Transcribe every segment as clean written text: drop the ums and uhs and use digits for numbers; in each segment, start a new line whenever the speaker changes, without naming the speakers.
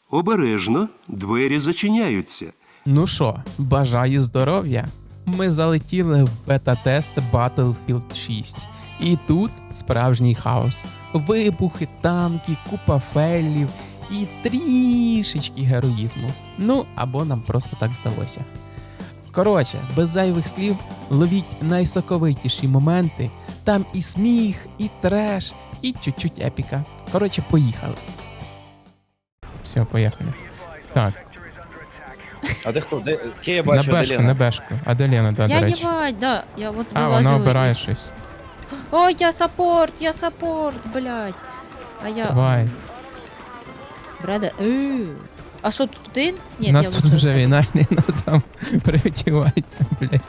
Обережно, двері зачиняються.
Ну що, бажаю здоров'я. Ми залетіли в бета-тест Battlefield 6. І тут справжній хаос. Вибухи, танки, купа фейлів і трішечки героїзму. Ну, або нам просто так здалося. Коротше, без зайвих слів, ловіть найсоковитіші моменти. Там і сміх, і треш, і чуть-чуть епіка. Коротше, поїхали. Все, поїхали. Так,
А де хто? Де? Ке я
на
бачу,
бешку,
Аделіна.
на бешку. Аделіна, да, до
Я
речі.
ебать, да. Я вот
А,
вылазила
вона обирає
из-
щось.
О, я саппорт, блядь. А я...
Давай.
Бреда, А що тут один? Ні,
У нас
я
тут
лише-
вже війна, Ліна там переодівається, блядь.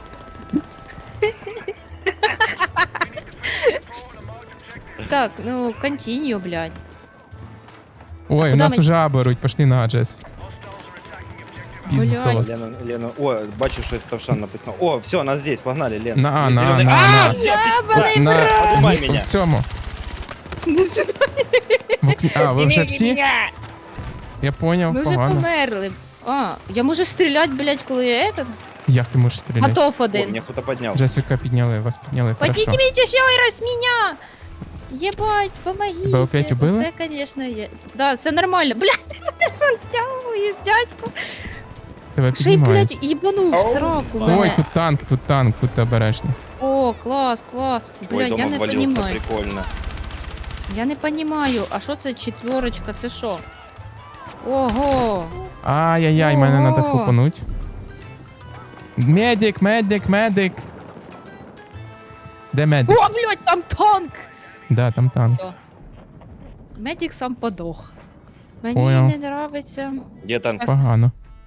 Так, ну, континью, блядь.
Ой, у
куди
нас
ми-
вже беруть, пошли на Аджес.
Блядь.
Піздос.
Лена, о, бачу, що Ставшан написано. О, все, нас здесь, погнали, Лен.
На А,
Есть
на А,
зелёный-
на
А,
А.
Ебаный
На
Подумай
ні,
мене.
в цьому. В окні- А, ви вже всі? Я поняв,
Ми вже
погано.
померли. А, я можу стріляти, блядь, коли я этот?
Як ти можеш стріляти?
Готов
О,
один.
меня кто-то поднял.
Джесіка підняли, вас підняли, хорошо.
Поднимите еще раз меня! Ебать, помогите.
Тебе опять убили?
Це, конечно, є. Да, все нормально. Блядь, ти ж втягуєш, дядьку.
Тебе
Ще й,
піднімають.
блядь, їбанув в сраку
Ой,
мене.
тут танк, будьте обережні.
О, клас.
Ой,
Блядь,
дом
я не
обвалился,
понимаю.
прикольно.
Я не понимаю, а що це четверочка, це що? Ого.
Ай-яй-яй, мене
Ого.
треба хлопануть. Медик, медик, медик. Де медик?
О, блядь, там танк!
Да, там танк.
Все. Медик сам подох. Мені
Понял.
не нравиться.
Где танк?
Погано.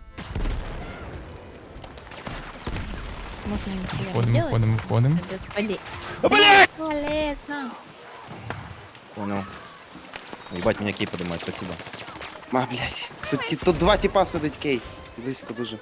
Можна ніхуя не
Входимо,
делать.
входимо, входимо.
Це безполезно.
Блядь!
Безполезно.
Понял. Ебать, меня кей поднимает, спасибо.
Блядь. Тут два типа сидить кей. Близько дуже.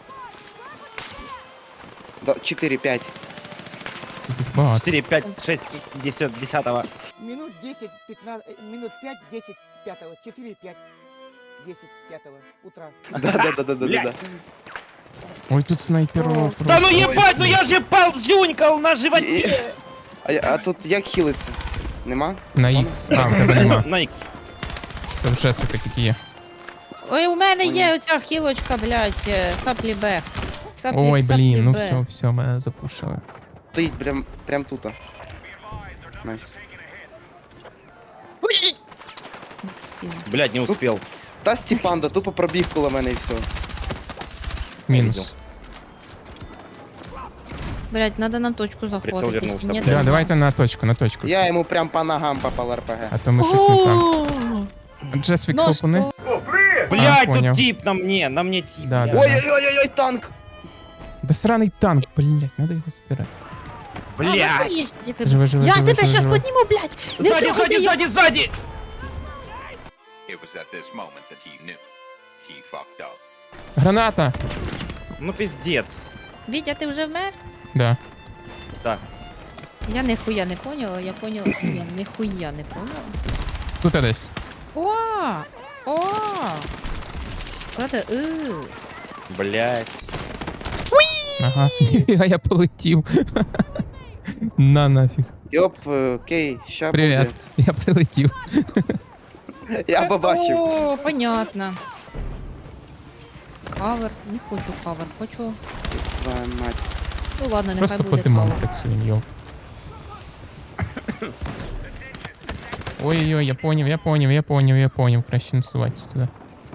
4-5.
Тут їх багато.
4, 5, 6, 10, 10.
Минут 10, 15, минут 5, 10, 5, 4, 5, 10, 5 утра.
Да.
Ой, тут снайперов
О.
просто.
Да ну ебать, ну я же ползюнькал на животе!
А тут як хілиться? Нема?
На Х. А, в тебе нема.
На X.
Це вже сука тільки є.
Ой, у мене є оця хілочка, блядь, саплі Б.
Ой, блін, ну
Б.
все, мене запушили.
Стоїть прям тут. Найс.
Блядь, не успел.
Та Степанда тупо пробіг коло мене і все.
Мінус.
Блядь, надо на точку заходити.
Прицел вернувся,
Ні,
блядь.
Да,
нема.
давайте на точку.
Я йому прям по ногам попал РПГ.
А то ми щось не так.
О,
Джесвік
ну
хлопани.
що?
Блядь,
понял.
тут тип на мне тип.
Да,
блядь.
да.
Ой-ой-ой, танк!
Да сраний танк, блядь, надо його забирати.
А, ну,
Блядь.
є, типу.
Живи, живи,
Я
живи,
тебе
живи,
щас
живи.
підніму, блядь. Не
Сзади,
трогай
сзади,
її.
сзади, сзади!
It was at this moment that he knew. He fucked up.
Граната!
Ну пиздец.
Вітя, ти вже вмер?
Да.
Да.
Я ніхуя не поняла, я поняла, що я ніхуя не поняла.
Тут десь.
О! Правда,
Блядь.
Ага. А я полетів. На нафіг.
Йоп, кей, ща
Привіт.
буде.
Я прилетів.
Я побачив.
О, понятно. Кавер, не хочу кавер, хочу.
Твоя мать.
Ну ладно, нехай
Просто по
буде
димам
кавер.
працюємо, йоп. Ой-ой-ой, я поняв. Краще не суватися туди.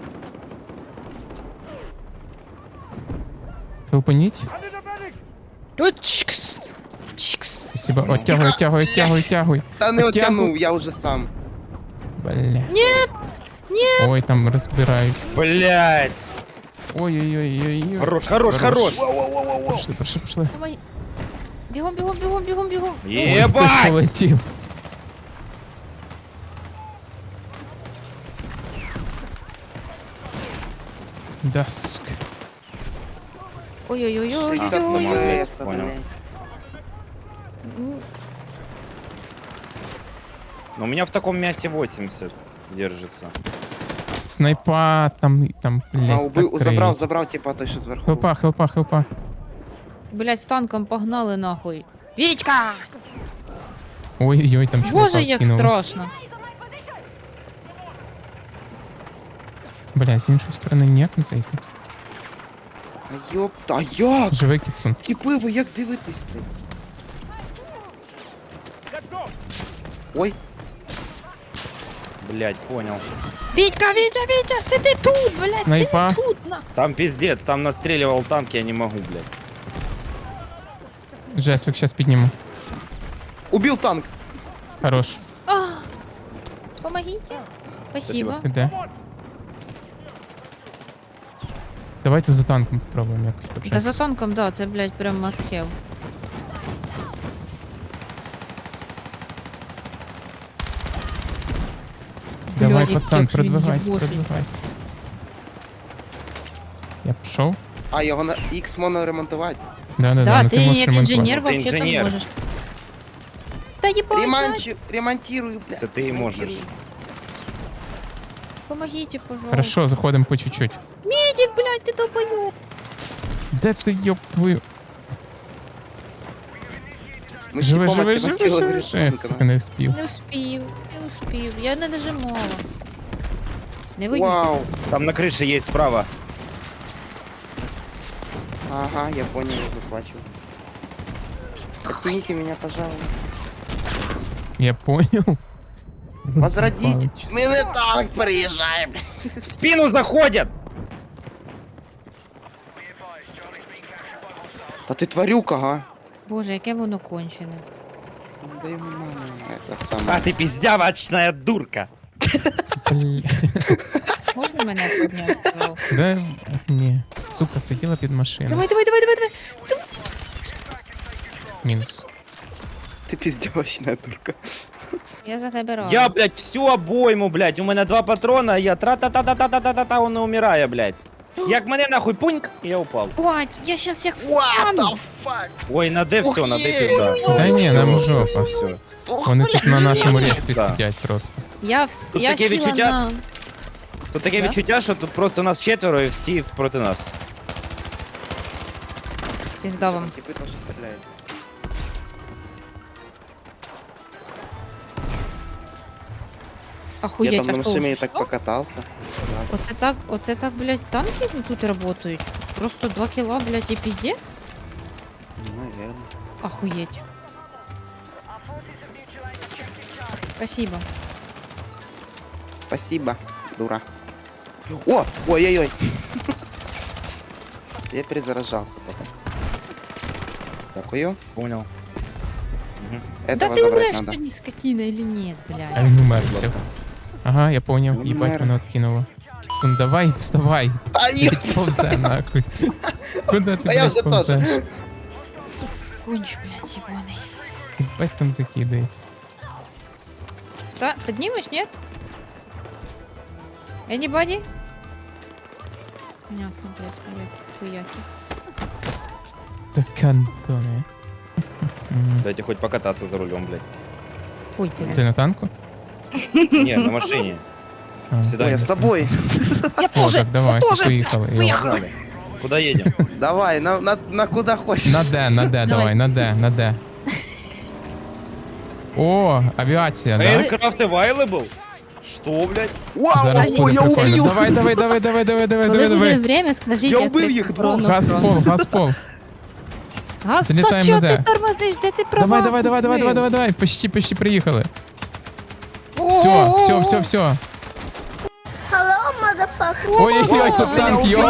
Хелпаніть.
Тут чикс. Чикс.
Спасибо. Оттягуй.
Та не
Оттягуй.
оттягнув, я вже сам.
Бля.
Нет!
Ой, там розбирають.
Блядь.
Ой-ой-ой.
Хорош, хорош, хорош.
Пішли.
Давай. Бігом.
Хтось
Ебать!
полетів. Даск.
Ой-ой-ой.
60
Ой-ой-ой.
ФПС,
Понял.
блядь.
Но у меня в таком мясе 80 держится.
Снайпа, там, блядь,
убив,
так
забрав,
криють.
забрав, типа, той, що зверху.
Хелпа.
Блять, з танком погнали нахуй. Вітька!
Ой-ой-ой, там чувака
Боже, як
кинули.
страшно.
Бля, з іншої сторони ніяк не зайти.
А ёпта, а як?
Живий кіцун.
Типи, ви як дивитесь, блядь? Ой,
Блядь, понял.
Вітька, Вітя, сиди тут, блять,
Снайпа.
сиди тут, на.
Там пиздец, там настреливал танк, я не могу, блядь.
Жесвик, щас підніму.
убив танк.
Хорош.
Помогите. Спасибо.
Спасибо.
Ти де? Давайте за танком попробуємо якось
Та
почати.
за танком, да, це, блядь, прям must have.
Давай,
Блядь,
пацан,
як же він
продвигайся,
єбошить.
продвигайся. Я пішов?
А, його на X можна ремонтувати.
Да,
Да,
ну
ти
можеш
як
ремонтувати.
інженер
Ти
вообще так
інженер.
можеш. Та їбать,
Ремонтирую, блядь.
Це ти і можеш.
ремонтирую.
помогите, пожалуйста.
Хорошо, заходимо по чуть-чуть.
Медик, блядь, ти долбоёб.
Де ти, ёб твою?
Ми з
Живи,
типом
живи,
відкинув
живи,
тіло
живи.
від
Сука,
танка,
не вспів.
Не успів, я не нажимала. Не вийду.
Вау.
Там на крыше есть справа.
Ага, я понял, я тут бачу. Откините меня, пожалуйста.
Я понял.
Возродіть.
Роз'їбали,
Ми не танк переїжджаємо.
В спину заходят!
Та ти тварюка, га?
Боже, яке воно кончене.
Да ему мама, это саме.
А ты пиздявочная дурка!
Бля.
Можна мене підняти?
Да, ні. Сука, сиділа під машиною.
Давай.
Мінус.
Ти піздявочна дурка.
Я за тебе рада.
Я, блядь, всю обойму, блядь. У мене 2 патрона, а я тра-та-та-та-та-та-та-та, он не умирає, блядь. Як мене нахуй пуньк, і я упав.
Бать, я щас як
What
встану.
the fuck?
Ой, на Д все, на Д пизда.
Та ні, нам жопа.
Все.
Вони тут на нашому респі
Да.
сидять просто.
Тут
Я
таке
сіла
відчуття-
на...
Тут таке
Да?
відчуття, що тут просто нас 4 і всі проти нас.
Пізда вам.
Типи теж стріляють. Я
Охуєть,
там на
а що
машині
вже
так
всё?
покатався. Клас.
Оце так, блядь, танки тут работають. Просто 2 кіла, блядь, і піздець?
Ну, наверное.
Охуеть. Спасибо.
Спасибо, дура. О! Ой-ой-ой. Я перезаражался пока. Дякую.
Понял.
Да
Этого
ты
забрать
умрешь,
надо.
что не скотина или нет,
А
блядь?
він умер, все. Ага, я поняв,
Він
їбать
умер.
мене откинуло. Кіцун, давай, вставай.
А,
Блять, повзе нахуй. Куди ти,
А я
блядь,
вже
повзеш?
теж.
Конч, блядь, ебаный.
Їбать там закидають.
Поднимешь, нет? Anybody? Понятно, блядь, хуяки.
Та кантони.
Дайте хоть покататься за рулем, блядь.
Хуй ты.
Ти на танку?
Не, на машине.
А.
Ой,
Сюда.
я с тобой.
О, так давай, поїхали. йо.
Погнали. Куда едем?
Давай, на куда хочешь.
На Д, давай, на Д. О, авіація, да?
Aircraft available? Что, блядь?
Вау,
Зараз
о,
буде
я
прикольно.
убил.
Коли буде
Давай.
время, скажіть,
Я
як
убив
прикольно
їх двох.
Газ в пол, газ в пол.
Газ,
Залітаємо
то чого
на Д.
ти тормозиш? Де ти права?
Давай. Почти приїхали.
О,
Все. Ой-ой-ой, тут танк, йо.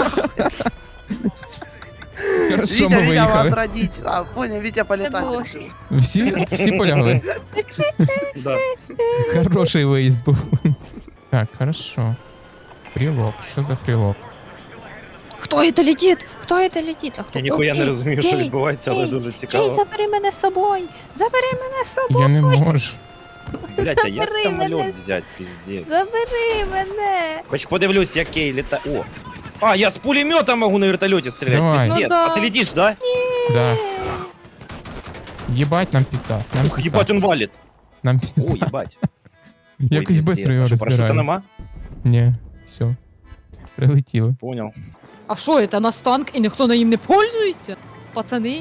Хорошо,
Витя,
ми
Витя,
виїхали.
возродить. А, понял, Витя полетать
Це
решил.
Всі полягли?
Да.
Хороший виїзд був. Так, хорошо. Фрілок. Що за фрілок?
Хто це летить? Хто це летить? А хто?
Я ніхуя не
Ей,
розумію, що
ей,
відбувається, але
ей,
дуже
Ей,
цікаво.
забери мене з собою! Забери мене з собою!
Я не можу.
Блять, а як
Забери мене.
самоліт взяти, пиздец.
Забери мене!
Хоч подивлюсь, як Кей літа... О! А, я з пулемета можу на вертольоті стріляти,
Давай.
пиздец.
Ну да.
А ти летиш, да?
Да. Єбать, нам пізда. Нам
Ух,
пізда.
ебать, он валит.
Нам
О,
пізда.
ебать.
Якось
Ой,
швидко
пиздец.
його
А що, парашута
розбираємо.
нема?
Ні. Все. Прилетіли.
Понял.
А що, це нас танк і ніхто на ним не пользується? Пацани?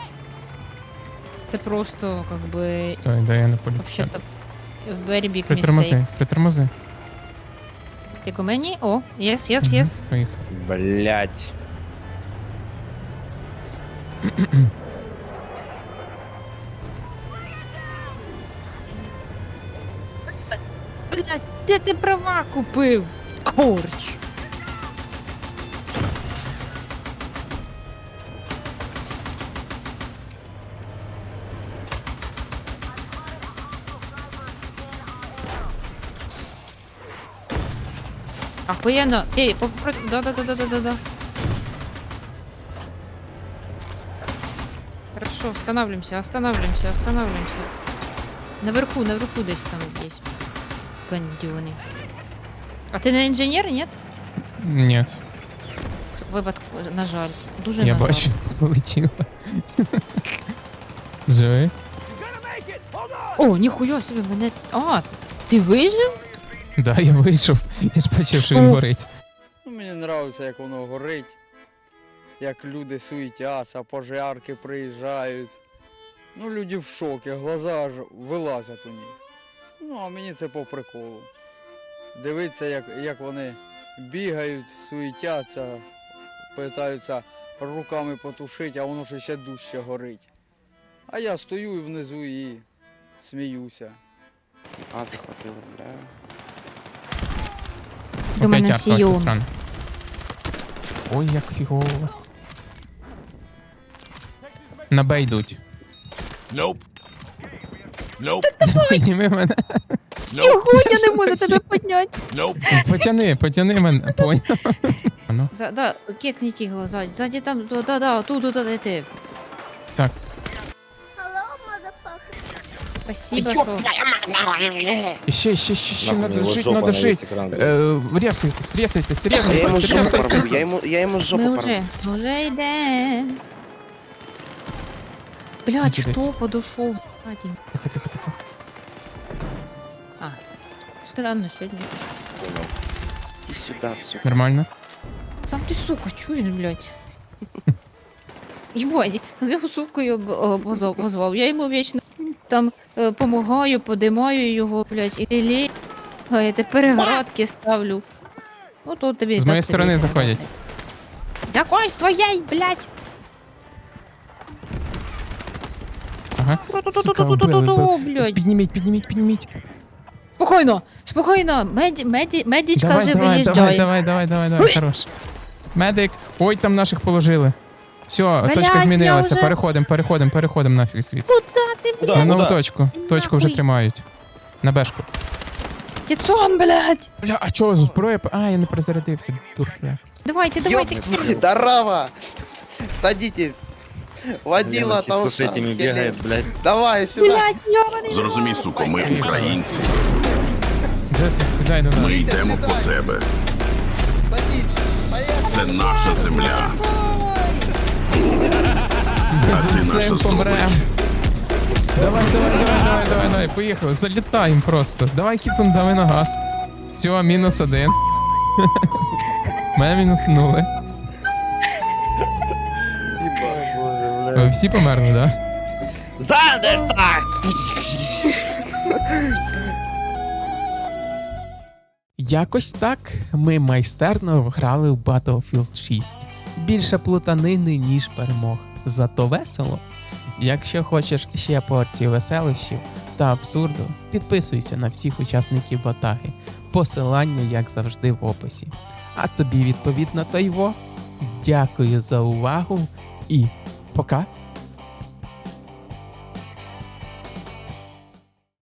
Це просто, как би,
Стой, да я не полетів.
вообще-то, very big mistake.
Притормози, притормози.
Ти ко мені? О, yes.
Поїхав.
Блять.
Блядь, де ти права купив? Корч. Охуєнно. Ей, да. Хорошо, останавливаемся. Наверху десь там есть. Гандюни. А ти не інженер, ні?
Ні,
Випадку, на жаль. Дуже
я
на жаль.
бачу, полетіла. Живий?
О, ніхуя собі, мене... А, ти вижив?
Да, я вийшов. Я ж бачив, що
Що?
він горить.
Ну, мені подобається, як воно горить, як люди суетяться, пожарки приїжджають. Ну, люди в шокі, глаза аж вилазять у них. Ну, а мені це по приколу. Дивиться, як вони бігають, суетяться, питаються руками потушити, а воно ще дужче горить. А я стою внизу і сміюся.
А, захватили, бля.
До мене
Опять арка,
Сіон.
це сран. Ой, як фігово. На Б йдуть. Підніми мене.
Його, я не можу тебе підняти.
Потяни мене. Понял. Ну,
Да, кекніть його ззаді там, тут, де ти.
так.
Спасибо, що...
Ще,
Нахуй,
надо
его
жить,
жопа
надо
на
жить.
весь экран.
Ресайтесь,
Я йому з жопу
Ми
порву.
вже йдемо. Блядь,
Сидіть
хто
десь.
подошов? Вадим?
Тихо.
А, странно сьогодні.
Іди сюди, сука.
Нормально?
Сам ти, сука, чуєш, блядь? Єбать, його сукою позвав. Я йому вічно там помагаю, подимаю його, блядь, і лілей. А я тепер градки ставлю. Ну тут тобі.
З
так
моєї
тобі.
сторони заходять.
З якої з твоєї, блядь?
Ага. Сука,
Ту-ту-ту-ту-ту-ту, блядь.
Підніміть.
Спокійно, медичка вже виїжджає.
Давай, хорош. Медик. Ой, там наших положили. Все,
Блядь,
точка
я
змінилася.
вже-
Переходимо нафіг звідси.
Куда ти,
Куда?
На нову
Куда?
точку. Точку вже
Нахуй.
тримають. На бешку.
Тіцон, блядь?
Бля, а чого зброя? А, я не перезарядився. Дурля.
Давайте.
Здорово! Садитесь. Водила
Лена
там.
чисто с этими бегает, блядь.
Давай, сюда.
Блядь, йобаний.
Зрозумій, суко, ми українці.
Джесик, сідай до нас.
Ми йдемо по тебе.
Садись. Поехали.
Це наша земля, а ти
Все,
наша
помрем.
здобич.
Давай, поїхали. Залітаємо просто. Давай, Кіцун, давай на газ. Все, -1. Мене мінуснули. Ви всі померли, да?
Зандерса!
Якось так ми майстерно вграли в Battlefield 6. Більше плутанини, ніж перемог. Зато весело. Якщо хочеш ще порції веселощів та абсурду, підписуйся на всіх учасників Ватаги. Посилання, як завжди, в описі. А тобі, відповідно, то й во. Дякую за увагу і пока!